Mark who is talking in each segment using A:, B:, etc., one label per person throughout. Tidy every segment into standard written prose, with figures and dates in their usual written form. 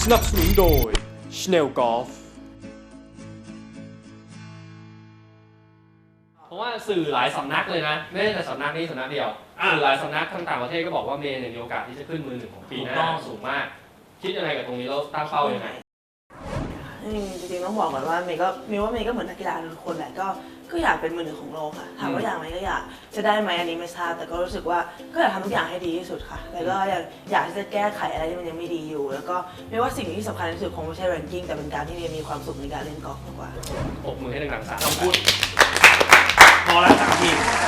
A: สนับสนุนโดย Schnell Golf
B: เพราะว่าสื่อหลายสำนักเลยนะไม่ใช่แต่สำนักนี้สำนักเดียวสื่อหลายสำนักทั้งต่างประเทศก็บอกว่าเมย์เนี่ยมีโอกาสที่จะขึ้นมือหนึ่งของปีหน้าสูงมาก คิดยังไงกับตรงนี้แล้วตั้งเป้ายังไง
C: จริงๆต้องบอกก่อนว่าเมย์ก็เหมือนนักกีฬาทุกคนแหละก็อยากเป็นมือหนึ่งของโลกค่ะถามว่าอยากไหมก็อยากจะได้ไหมอันนี้ไม่ทราบแต่ก็รู้สึกว่าก็อยากทำทุกอย่างให้ดีที่สุดค่ะแล้วก็อยากที่จะแก้ไขอะไรที่มันยังไม่ดีอยู่แล้วก็ไม่ว่าสิ่งที่สำคัญที่สุดคงไม่ใช่ ranking แต่เป็นการที่เมย์มีความสุขในการเล่นกอล์ฟมากกว่า
B: ปรบมือให้ดังๆ3
D: คำพูดพอแล้ว3 ที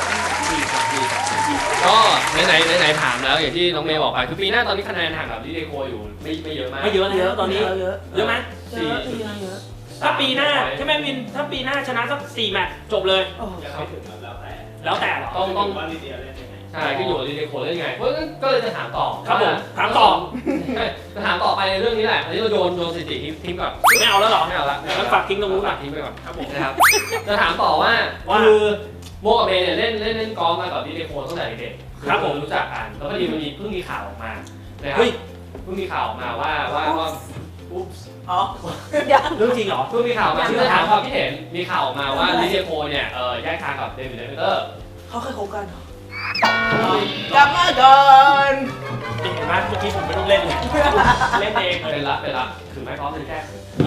B: ก็ไหนถามแล้วอย่างที่น้องเมย์บอกไปคือปีหน้าตอนนี้คะแนนห่างกับลิเดโคอยู่ไม่เยอะมาก
D: ไม่เยอะเลยตอนนี้เยอะไหม
C: เยอะ
D: ถ้าปีหน้าใช่ไหมวินถ้าปีหน้าชนะสัก4 แมตช์จบเลยแล้วแต่
B: ต้องใช่ก็อยู่กับลิเดโคเล่นไงเพราะงั้นก็เลยจะถามต่อ
D: ครับผมถามต่อ
B: จะถามต่อไปในเรื่องนี้แหละอันนี้เราโยนสถิติทิ้งก่อน
D: ไม่เอาแล้วหรอ
B: ไม่เอาละ
D: งั้นฝากทิ้งตรงนู้น
B: ฝากทิ้งไปก่อนครับผมนะครับจะถามต่อว่าคือโมกับเมย์เนี่ยเล่นกอล์ฟมากับลิเดโคตั้งแต่เด็ก
D: ครับผม
B: รู้จักกันแล้วพอดีมันเพิ่งมีข่าวออกมานะครับเพิ่งมีข่าวออกมาว่าอุ๊บ
C: อ๋อ
D: เรื่องจริงเหรอ
B: เพิ่งมีข่าวมาที่จะถามความคิดเห็นมีข่าวออกมาว่าลิเดโคเนี่ยแยกทางกับเดวิดเลเวเตอร์
C: เขาเคยคบกันเหรอกลับมาก่อน
D: เห็นไหมเมื่อกี้ผมไม่ต้องเล่นเลยเล่นเอง
B: เป็นละคือไม่พร้อมเป็นแค่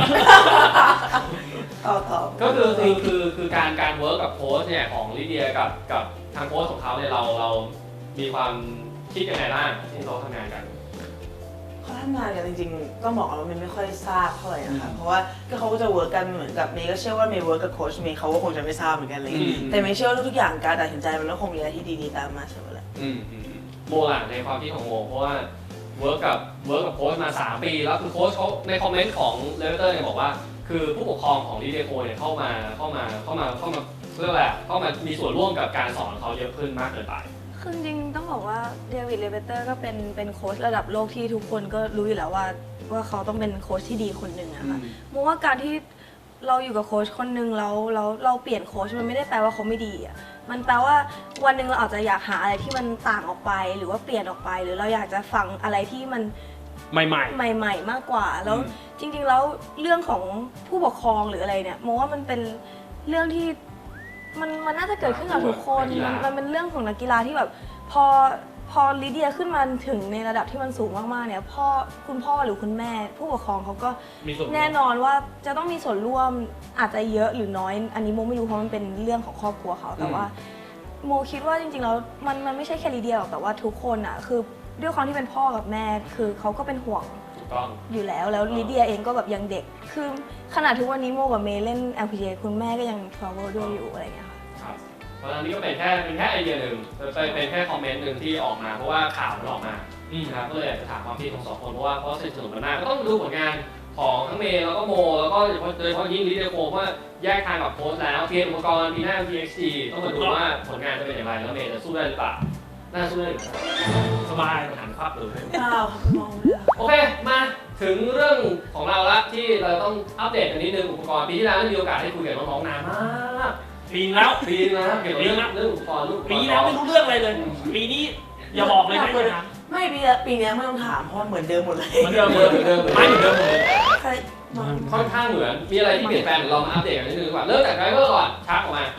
C: ก็
B: คือการเวิร์กกับโค้ชเนี่ยของลิเดียกับทางโค้ชของเขาเนี่ยเรามีความคิดยังไงบ้างที่เขาทำงานกัน
C: เขาทำงานกันจริงๆต้องบอกว่ามันไม่ค่อยทราบเท่าไหร่นะคะเพราะว่าเขาก็จะเวิร์กกันเหมือนกับเมย์ก็เชื่อว่าเมย์เวิร์กกับโค้ชเมย์เขาก็คงจะไม่ทราบเหมือนกันเลยแต่เมย์เชื่อว่าทุกอย่างการตัดสินใจมันก็คงมีอะไรที่ดีๆตามมาเสมอแหละ
B: โมล่ะในความคิดของโมเพราะว่าเวิร์กกับโค้ชมา3 ปีแล้วคือโค้ชเขาในคอมเมนต์ของเลเวเตอร์เนี่ยบอกว่าคือผู้ปกครองของลิเดโคเนี่ยเข้ามาเรียกว่าเข้ามามีส่วนร่วมกับการสอนเขาเยอะขึ้นมากเกินไป
E: คือจริงต้องบอกว่าเดวิดเลเวเตอร์ก็เป็นโค้ชระดับโลกที่ทุกคนก็รู้อยู่แล้วว่าเขาต้องเป็นโค้ชที่ดีคนหนึ่งอะค่ะมองว่าการที่เราอยู่กับโค้ชคนหนึ่งแล้วเราเปลี่ยนโค้ชมันไม่ได้แปลว่าเขาไม่ดีอะมันแปลว่าวันหนึ่งเราอาจจะอยากหาอะไรที่มันต่างออกไปหรือว่าเปลี่ยนออกไปหรือเราอยากจะฟังอะไรที่มัน
D: ใหม่
E: มากกว่าแล้วจริงๆแล้วเรื่องของผู้ปกครองหรืออะไรเนี่ยมองว่ามันเป็นเรื่องที่มันน่าจะเกิดขึ้นกับทุกคนมันเป็นเรื่องของนักกีฬาที่แบบพอลิเดียขึ้นมาถึงในระดับที่มันสูงมากๆเนี่ยคุณพ่อหรือคุณแม่ผู้ปกครองเขาก็แน่นอนว่าจะต้องมีส่วนร่วมอาจจะเยอะหรือน้อยอันนี้โมไม่รู้เพราะมันเป็นเรื่องของครอบครัวเขาแต่ว่าโมคิดว่าจริงๆแล้วมันไม่ใช่แค่ลิเดียหรอกแต่ว่าทุกคนอ่ะคือด้วยความที่เป็นพ่อกับแม่คือเขาก็เป็นห่วงอยู่แล้วลิเดียเองก็แบบยังเด็กคือขนาดทุกวันนี้โมกับเมย์เล่น LPGA คุณแม่ก็ยัง travel ด้วยอยู่อะไรอย่างเงี้ย
B: ค่ะเพราะฉะนั้นนี่ก็เป็นแค่ไอเดียหนึ่งเป็นแค่คอมเมนต์หนึ่งที่ออกมาเพราะว่าข่าวมันออกมานะครับก็เลยอยากจะถามความคิดของ2 คนเพราะสนิทสนมกันมากก็ต้องดูผลงานของทั้งเมย์แล้วก็โมแล้วก็โดยเฉพาะยิ่งลิเดโคเพราะแยกทางกับโค้ชแล้วเตรียมอุปกรณ์ปีหน้า PXG ต้องมาดูว่าผลงานจะเป็นอย่างไรแล้วเมย์จะสู้ได้หรือเปล่าน่าสู้ได้
D: สบาย
B: หันภาพเลย
C: มองเลย
B: โอเคมาถึงเรื่องของเราละที่เราต้องอัปเดตกันนิดนึงอุปกรณ์ปีที่แล้วมีโอกาสได้คุยกับน้องๆนานมาก
D: ปีแล้ว
B: เกี่ยวกับเรื่องอุปกรณ์
D: ปีแล้วไม่รู้เรื่องอะไรเลยปีนี้อย่าบอกเลยนะ
C: ไม่ปีนี้ไม่ต้องถามเพราะเหมือนเดิมหมดเลย
D: เหมือนเดิมไม่เหมือนเดิมเลย
B: ค่อนข้างเหมือนมีอะไรที่เปลี่ยนแปลงเรามาอัปเดตกันนิดนึงดีกว่าเริ่มจากไดรเวอร์ก่อนชักออกมา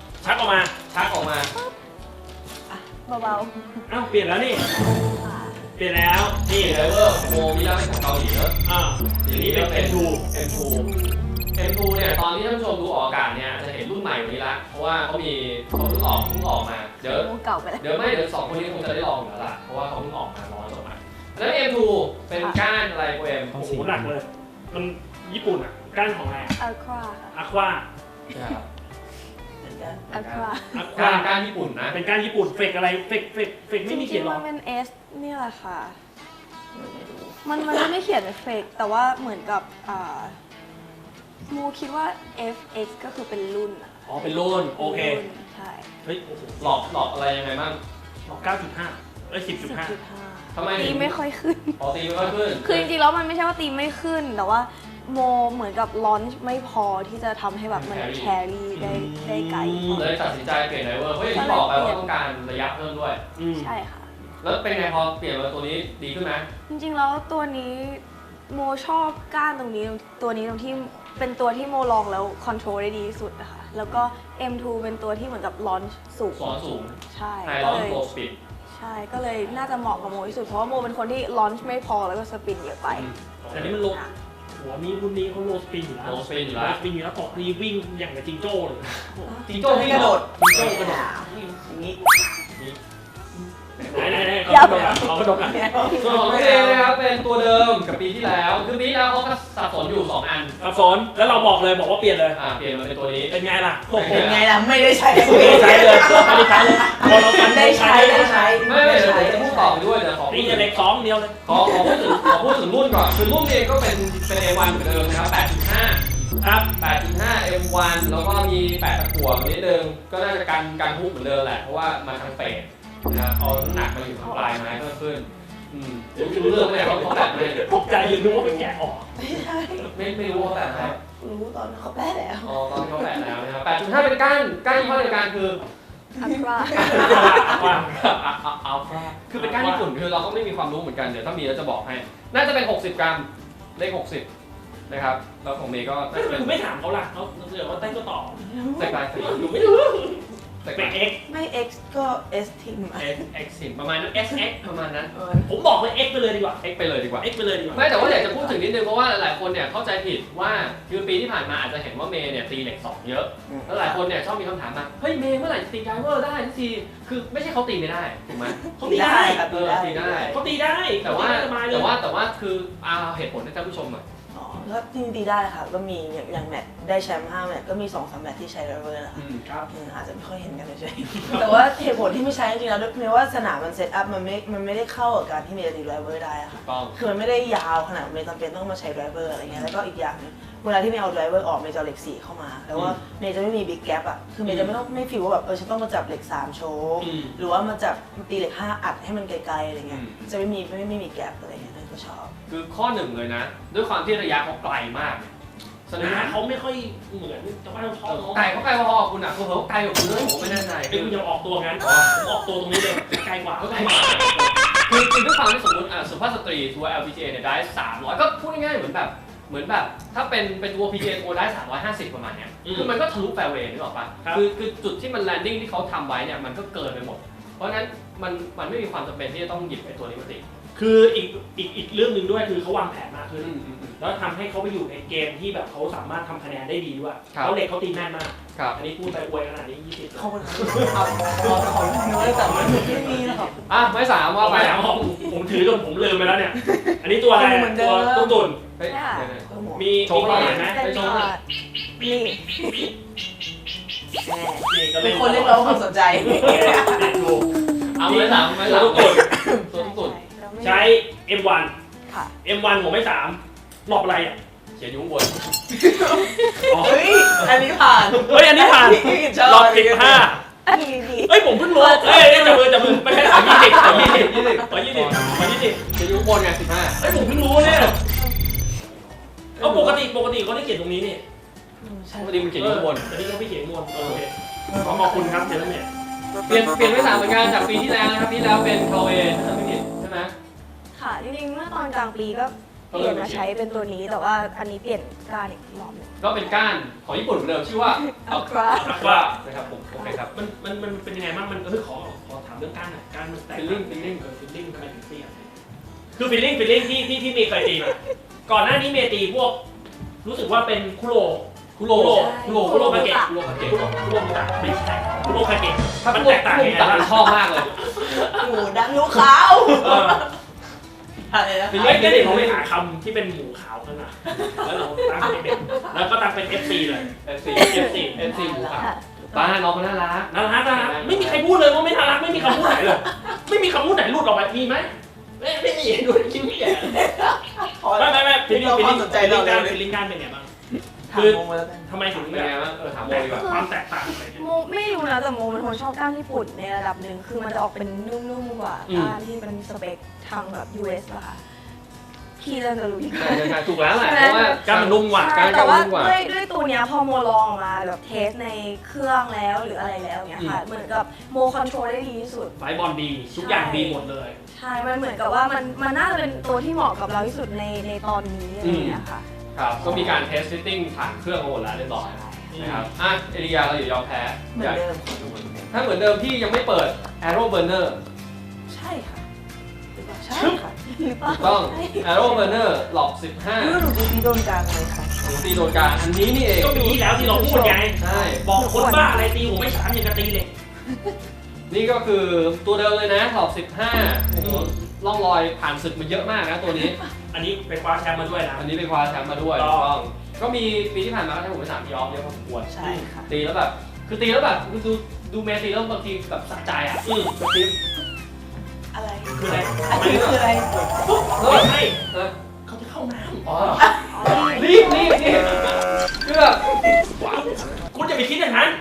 E: เบา
D: ๆอ้าวเปลี่ยนแล้วนี่เปลี่ยนแล้ว
B: นี่ไดรเวอร์โมมีแล้วเป็นของเกาหลีเนอะ
D: ทีนี้เป็น
B: M2 เนี่ยตอนที่ท่านผู้ชมดูออกอากาศเนี่ยจะเห็นรุ่นใหม่วันนี้ละเพราะว่าเขาเพิ่งออกมาเดี๋ยว2 คนนี้คงจะได้ลองอยู่แล้วล่ะเพราะว่าเขาเพิ่งออกมาร้อนออกมาแล้ว M2 เป็นก้านอะไรโปรเอ็ม
D: โอ้โหหนักเลยมันญี่ปุ่นอ่ะก้านของอะไรอะควา
B: ก้านญี่ปุ่นนะ
D: เป็นก้านญี่ปุ่นเฟกอะไรเฟกไม่มีเขียนหรอ
E: มันเป็น S นี่แหละค่ะมันไม่เขียนเฟกแต่ว่าเหมือนกับโมคิดว่า FX ก็คือเป็นรุ่น
D: เป็นรุ่นโอเค
E: ใช่
D: เฮ้ยโอ้โห
B: หลอกอะไรยังไงบ้าง
D: หลอก 9.5 10.5
B: ทำไม
E: ตีไม่ค่อยขึ้น
B: ตีไม่ค่อยขึ้น
E: คือจริงๆแล้วมันไม่ใช่ว่าตีไม่ขึ้นแต่ว่าโมเหมือนกับลอนช์ไม่พอที่จะทำให้แบบมันแครี่ได้ไกล
B: เลยตัดสินใจเปลี่ยนไดรเวอร์เพราะอย่างที่บอกไปว่าต้องการระยะเพิ่มด้วย
E: ใช่ค่ะ
B: แล้วเป็นไงพอเปลี่ยนมาตัวนี้ดีขึ้นไหม
E: จริงๆแล้วตัวนี้โมชอบก้านตรงนี้ตัวนี้ตรงที่เป็นตัวที่โมลองแล้วคอนโทรลได้ดีที่สุดนะคะแล้วก็ M2 เป็นตัวที่เหมือนกับลอนช์สูง
B: สอนสูง
E: ใช่
B: ไฮ
E: ก็
B: ลอน
E: เลย
B: โกสปิด
E: ใช่ก็เลยน่าจะเหมาะกับโมที่สุดเพราะว่าโมเป็นคนที่ลอนช์ไม่พอแล้วก็สปินเยอะไป
D: แต่นี่มันโลหัวนี้รุ่นนี้เขาโลสปินอยู่แล้ว
B: โลสปินอยู่
D: โล
B: แล้ว
D: สปินอยู่แล้วตกนี่วิ่งอย่างกับจิงโจ้เลย
B: จิงโจ้ที่
C: กระโดด
D: จิงโจ้กระโดด
C: อย่างนี้
D: ไหนเขากระโดดกัน
B: ส่วนของตัวเองนะครับเป็นตัวเดิมกับปีที่แล้วคือปีที่แล้วเขาก็สับสนอยู่2อัน
D: สับสนแล้วเราบอกเลยบอกว่าเปลี่ยนเลย
B: เปลี่ยนมาเป็นตัวนี้
D: เป็นไงล่ะโอ้โห
C: เป็นไงล่ะไม่ได้ใช้
D: ไม่ได้ใช้เลยไม่ได้ใช้เลยพอเราฟัน
C: ได้ใช้ได้ใช้
B: ไม่เดี๋ยวผมจะพูดต่อด้วยเดี๋ยวขอ
D: นี่จะเล็ก2เดียวเลย
B: ขอพูดถึงรุ่นก่อนคือรุ่นเองก็เป็น A1 เหมือนเดิมนะครับ 8.5
D: ครับ
B: 8.5 M1 แล้วก็มี8ตะกั่วนิดนึงก็น่าจะกันฮุกเหมือนเดิมแหละเพราะว่ามาทางเฟสนะครับเอาน้ำหนักมาอยู่ทางปลายไม้เพิ่มขึ้นเดี๋ยวรู้เรื่องไหมเขาแบบไหน
D: ตกใจยืนนึกว่าเป็นแกะออก
B: ไม่รู้ว่าแบบไหน
C: รู้ตอนเขาแป้แล้ว
B: อ๋อตอนที่เขาแปะแล้วนะครับ 8.5 เป็นก้านยี่ห้อเดียวกันคือ
E: อัลตรา
B: อัลฟาคือเป็นก้านญี่ปุ่นคือเราก็ไม่มีความรู้เหมือนกันเดี๋ยวถ้ามีเราจะบอกให้ น่าจะเป็น 60 กรัมเลข 60 นะครับแล้วของเมย์ก็น่าจะเป็น
D: คุณไม่ถามเขาล่ะเขาเสือว่าเต้นก็ต่อ
B: ใส่ปลายสี
D: หนูไม่รู้
B: ใส่ป
D: เป็
B: ลาน ย
D: X
C: ไม่ X ก็ S ทิม
B: X 10ประมาณนั้น SX ประมาณนั้น
D: ผมบอกเลย X ไปเลยดีกว่า
B: X ไปเลยดีกว่า
D: X ไปเลยดีกว่า
B: ไม่แต่ว่าอยากจะพูดถึงนิดนึงเพราะว่าหลายคนเนี่ยเข้าใจผิดว่าคือปีที่ผ่านมาอาจจะเห็นว่าเมย์เนี่ยตีเหล็ก2เยอะแล้วหลายคนเนี่ยชอบมีคำถามมาเฮ้ยเมย์เมื่อไหร่จะตีไดเวอร์ได้ทันทีคือไม่ใช่เขาตีไม่ได้ถูกไหม
D: เขาตีได้
C: ครับ
B: ตีได้
D: เขาตีได้
B: แต่ว่า
D: สบายเลย
B: แต่ว่าคือเอาเหตุผลให้ท่านผู้ชมหน่อย
C: อ๋อก็จริงๆตีได้ค่ะก็มีอย่างแมตช์ได้แชมป์5แมตช์ก็มี2-3แมตช์ที่ใช้ไดรเวอร์นะคะ
D: ครับ
C: อาจจะไม่ค่อยเห็นกันเฉยๆ แต่ว่าเหตุผลที่ไม่ใช้จริงๆแล้วเมย์ว่าสนามมันเซตอัพมันไม่ได้เข้ากับการที่เมย์จะตีไดรเวอร์ได้อะค่ะ
B: ต้อง
C: คือมันไม่ได้ยาวขนาดเมย์จำเป็นต้องมาใช้ไดรเวอร์อะไรเงี้ยแล้วก็อีกอย่างหนึงเวลาที่เมย์เอาไดรเวอร์ออกเมย์จะเอาเหล็ก4เข้ามาแต่ว่าเมย์จะไม่มีบิ๊กแกปอะคือเมย์จะไม่ฟีลว่าแบบฉันต้องมาจับเหล็ก3โชว์หรือว่ามาจับตีเหล็ก5อัดให้มันไกลๆอะไรเงี้ยจะไม่มีแกปอะไรเงี้ยเลยก็ชอบ
B: คือข้อหนึ่งเลยนะ ด้วยความที่ระยะเขาไกลมากส
D: ระ
B: นาย
D: ะ
B: ม
D: เขาไม่ค่อยเหมือนชาวบ้านชอบ
B: ไกลเขาไกลพอๆคุณอ่ะคือเขาไกลกว่าคุณเลยผมไม่แน่ใจ
D: เป็นคุณยังออกตัวงั้นผมออกตัวตรงนี้เลยไกลกว่า
B: เขาไกลกว่าคือด้วยความที่สมมติสุภาพสตรีทัวร์ LPGA เนี่ยได้300ก็พูดง่ายๆเหมือนแบบถ้าเป็นตัว PGA ทัวร์ได้350ประมาณเนี้ยคือมันก็ทะลุแฟร์เวย์นึกออกปะคือจุดที่มันแลนดิ้งที่เขาทำไว้เนี่ยมันก็เกินไปหมด เพราะฉะนั้นมันไม่มีความจำเป็นที่จะต้องหยิบไอ้ตัวนี้มาตี
D: คืออีกเรื่องหนึ่งด้วยคือเขาวางแผนมากขึ้นแล้วทำให้เขาไปอยู่ในเกมที่แบบเขาสามารถทำคะแนนได้ดีด้วยเขาเหล็กเขาตีแม่นมาก
B: ครับ
D: อันนี้พูดไปอวยขนาดนี้20
C: เขาเป็นเอาของน้อยแต่มันไม่มีหรอก
B: ไม้สามว่า
D: เอา
B: ไป
D: ไปแล้วผมถือจนผมลืมไปแล้วเนี่ย อันนี้ตัวอะไร
C: เหมือนเดิ
D: ตัว
C: ม
D: ตุ้นตุน
B: เฮ้ย
D: มี
B: โชว์
D: ตัวไหนไหม
E: เป็น
D: โช
E: ตัว
D: ว์หน่อย
E: นี่
D: นี่ก็
C: เป็นคนเรียกร้องความสนใจ
D: ดู
B: เอาไม้สาม
D: ตัวตุ้นตุน
B: ตัวตุ่น
D: ใช้ M1
E: ค่ะ
D: M1 ผมไม่3รอบอะไรอ่ะ
B: เขียนอยู่ข้างบน
C: เฮ้ย อันนี้ผ่าน
D: เฮ้ยอันนี้ผ่าน
C: ชอบ
D: รอบ15
E: อันนี้ดี
D: เฮ้ยผมเพิ่งรู้เฮ้ยจับมือไม่ใช่ขอ20ขอ20
B: เขียนอยู่ข้างบนไง15
D: เฮ้ยผมเพิ่งรู้เนี่ยเอาปกติเขาได้เขียนตรงนี้นี่
B: พอดีมันเขียนอยู่ข้างบน
D: แต่นี่เขาไม่เขียนบนโอเคขอบคุณครับเจนเนี่ย
B: เปลี่ยนไม้สามเหมือนกันจากปีที่แล้วนะครับปีที่แล้วเป็นคาเวถ้าไม่ผิดใช่ไหม
E: ค่ะจริงๆเมื่อตอนกลางปีก็เปลี่ยนมาใช้เป็นตัวนี้แต่ว่าอันนี้เปลี่ยนก้านอีกรอบหนึง
B: ก็เป็นก้านของญี่ปุ่นเหมือนเดิมชื่อว่า
E: Aqua
D: ว่า
B: นะครับผมโอเคครับ
D: มันเป็นยังไงบ้างมันขอถามเรื่องก้านหน่อยก้านมันแตก
B: Feeling
D: ทำไมถึงเปลี่ยนคือฟีลลิ่งที่เมย์เคยตีมาก่อนหน้านี้เมย์ตีพวกรู้สึกว่าเป็นคุโรคาเกะคุโรคาเกะไม่ใช่คุโรคาเกะ
B: ถ้า
D: มัน
B: พว
D: แต
B: ก
D: กต่าง
B: ผม
D: ยังไง
B: ตัด
D: บ้าง
B: ชอบมากเลย
C: หมูดำยูขาว อะไรนะ
D: ไอ้เด็กเขาไปหาคำที่เป็นหมูขาวขึ้นมาแล้วเราตั้งเป็นแล้วก็ตั้งเป็น FC เลย
B: FC หมูขาวป้าน้องเขาน่ารัก
D: น่ารักไม่มีใครพูดเลยว่าไม่น่ารักไม่มีคำพูดไหนเลยไม่มีคำพูดไหนหลุดออกไปมีไหมไม่มีดูคิ้วแย่ไม่ฟีลลิ่งการเป็นไงบ้าง
C: ถามโมมาแล้วกัน
D: ทำไมถึง
B: เป็นไงบ้างถามโมดีกว่า
D: ความแตกต่างอะไรเนี่ย
E: โมไม่รู้นะแต่โมเป็นคนชอบก้านญี่ปุ่นในระดับหนึ่งคือมันจะออกเป็นนุ่มๆกว่าก้านที่เป็นสเปคทางแบบ US อะค่ะพี่เริ่มจะรู้ดีกว่า
B: ใช่ถูกแล้วแหละเพราะว่า
D: การมันนุ่มกว่า
E: ใช่แต่ว่าด้วยตัวเนี้ยพอโมลองออกมาแบบเทสในเครื่องแล้วหรืออะไรแล้วเนี้ยค่ะเหมือนกับโมคอนโทรลได้ดีที่สุด
D: ไฟบอลดีทุกอย่างดีหมดเลย
E: ใช่มันเหมือนกับว่ามันน่าจะเป็นตัวที่เหมาะกับเราที่สุดในตอนนี้อะไรอย่างเงี้ยค่ะ
B: ครับก็มีการเทสฟิตติ้งผ่านเครื่องมาหมดแล้วเรียบร้อยนะครับอ่ะเอริยาเราอย่ายอมแพ้
C: เหมือนเดิม
B: ถ้าเหมือนเดิมพี่ยังไม่เปิด Arrow Burner
C: ใช่ค่ะหรือเปล่าใช่ค่ะ
B: ถูกต้อง Arrow Burner หลอก
C: ดู
B: 15
C: หนูดูที่โดนกลางเลยค่ะ
B: หนูตีโดนกลางอันนี้นี่เอง
D: ก็มีแล้วที่เราพูดไง
B: ใช่
D: บอกคนบ้าอะไรตีผมไม่ฉามอย่างกระตีเลย
B: นี่ก็คือตัวเดิมเลยนะหลอก 15โอ้โหร่องรอยผ่านศึกมาเยอะมากนะตัวนี้
D: อันนี้ไปคว้าแชมป์มาด้วยนะ
B: อันนี้ไปคว้าแชมป์มาด้วย
D: ถู
B: ถู
D: ก
B: ก
D: ต้
B: ต้
D: อ
B: อง งก็มีปีที่ผ่านมาก็ทำผมไป3 ยอมเยอะพอสมควร
C: ใช่ค่ะ
B: ตีแล้วแบบคือตีแล้วแบบดูเมย์ตีแล้วบางทีแบบสะใจอ่ะกระติ๊บ
C: อะไร
D: คืออะไร
C: อันนี้คืออะไร
D: ปุ๊บ
B: เฮ้ย
D: ใช่
B: เออ
D: เขาจะเข้าน้
B: อ๋อรีบคือแบบ
D: ำคุณอย่าไปคิดอย่างนั้น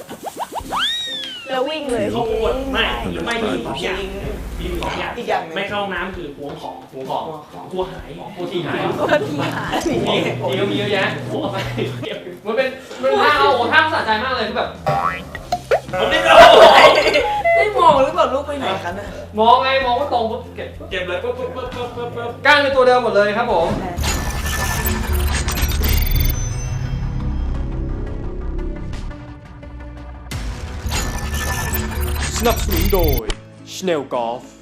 E: แล้ววิ่งเลย
D: เขาปวดไม่ไม่มีสองอย่าง
C: จริง
D: มีสองอย่าง
C: อีกอย่างหนึ่ง
D: ไม่เข้าห้องน้ำคือหวงของ
B: หูของ
D: กลัวหาย
B: ผู้ที่หาย
E: ก็ที่หา
B: มีก็มีเยอะแยะมันเป็นท่าเอาโอ้ท่าสะใจมากเลยคือแบบ
D: มันไม่เข้า
C: ได้มองหรือเปล่าลูกไปไหนคะเนี่ย
B: มองไงมองว่าตรงปุ๊บเก็บ
D: เจ็บเลยปุ๊บปุ๊บปุ๊บปุ๊บปุ๊บปุ๊บ
B: ก้างเป็นตัวเดิมหมดเลยครับผม
A: สนับสนุนโดย Schnell Golf